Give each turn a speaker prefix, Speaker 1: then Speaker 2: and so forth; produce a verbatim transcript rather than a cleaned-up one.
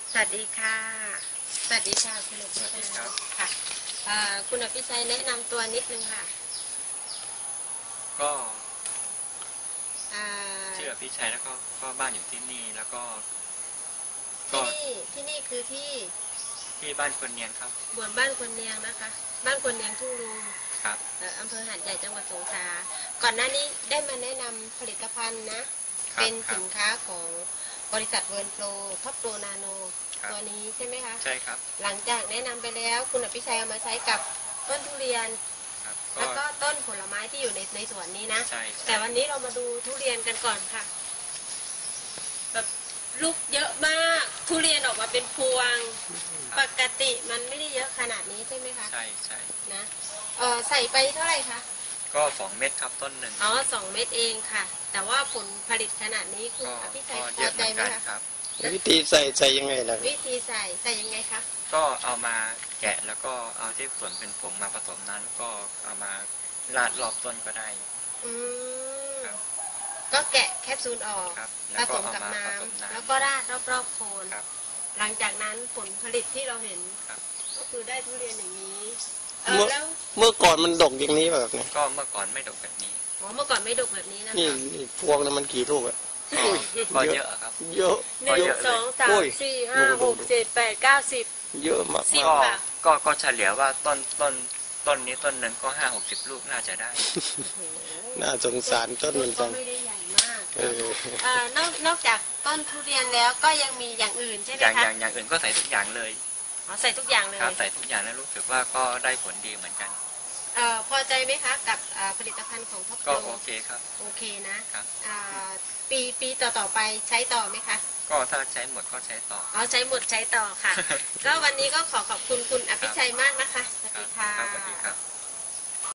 Speaker 1: สวัสดีค่ะสวัสดีค่ะคุณอภิชัยค่ะคุณอภิชัยแนะนำตัวนิดนึงค่ะ
Speaker 2: ก็ชื่ออภิชัยแล้วก็ก็บ้านอยู่ที่นี่แล้วก็
Speaker 1: ที่นี่ที่นี่คือที่
Speaker 2: ที่บ้านคนเนียงครับ
Speaker 1: บวนบ้านคนเนียงนะคะบ้านคนเนียงทุ่งลุง
Speaker 2: ครับ
Speaker 1: อำเภอหาดใหญ่จังหวัดสงขลาก่อนหน้านี้ได้มาแนะนำผลิตภัณฑ์นะเป็นสินค้าของบริษัทเวิร์นโปรท็อปโปรนาโนตัวนี้ใช่ไหมคะ
Speaker 2: ใช่ครับ
Speaker 1: หลังจากแนะนำไปแล้วคุณอภิชัยเอามาใช้กับต้นทุเรียนแล้วก็ต้นผลไม้ที่อยู่ในในสวนนี้นะแต่วันนี้เรามาดูทุเรียนกันก่อนค่ะแบบลูกเยอะมากทุเรียนออกมาเป็นพวงปกติมันไม่ได้เยอะขนาดนี้ใช่ไหมคะ
Speaker 2: ใช่ใช่
Speaker 1: นะเออใส่ไปเท่าไหร่คะ
Speaker 2: ก็สองเม็ดครับต้นหนึ่ง
Speaker 1: อ๋อสองเม็ดเองค่ะแต่ว่าผลผลิตขนาดนี้คุณอภิชัยพอใจไหมคะ
Speaker 3: วิธีใส่ใส่ยังไงล่ะ
Speaker 1: วิธีใส่ใส่ยังไงคะ
Speaker 2: ก็เอามาแกะแล้วก็เอาที่ส่วนเป็นผงมาผสมนั้นก็เอามาราดรอบต้นก็ได้
Speaker 1: อืมก็แกะแคปซูลออกผสมกับน้ำแล้วก็ราดรอบๆโคนหลังจากนั้นผลผลิตที่เราเห็นก็คือได้ทุเรียนอย่างนี้
Speaker 3: แล้วเมื่อก่อนมันดกอย่างนี้แบบนี้
Speaker 2: ก็เมื่อก่อนไม่ดกแบบนี้
Speaker 1: อ๋อเมื่อก่อนไม่ดกแบบนี้นะ
Speaker 3: นี่พวงนั้นมันกี่ลูกอะ
Speaker 2: ก็เยอะครับ
Speaker 3: เยอะ
Speaker 1: หนึ่งสองสามสี่ห้าหกเจ็ดแปดเก้าสิบ
Speaker 3: เยอะมาก
Speaker 2: ก็ก็ก็เฉลี่ยว่าต้นต้นต้นนี้ต้นหนึ่งก็ห้าหกสิบลูกน่าจะได้
Speaker 3: น่าสงสารต้นมันจัง
Speaker 1: ไม่ได้ใหญ่มากเออนอกนอกจากต้นทุเรียนแล้วก็ยังมีอย่างอื่นใช่ไหมคะ
Speaker 2: อย่างอย่างอื่นก็ใส่ทุกอย่างเลย
Speaker 1: อ๋อใส่ทุกอย่างเลย
Speaker 2: ครับใส่ทุกอย่างแล้วรู้สึกว่าก็ได้ผลดีเหมือนกัน
Speaker 1: เอ่อพอใจไหมคะกับผลิตภัณฑ์ของท็อปโปร
Speaker 2: ก็โอเคครับ
Speaker 1: โอเคนะครับปีปีต่อต่อไปใช้ต่อไหมคะ
Speaker 2: ก็ถ้าใช้หมดก็ใช้ต่อ
Speaker 1: อ๋อใช้หมดใช้ต่อค่ะก็วันนี้ก็ขอขอบคุณคุณ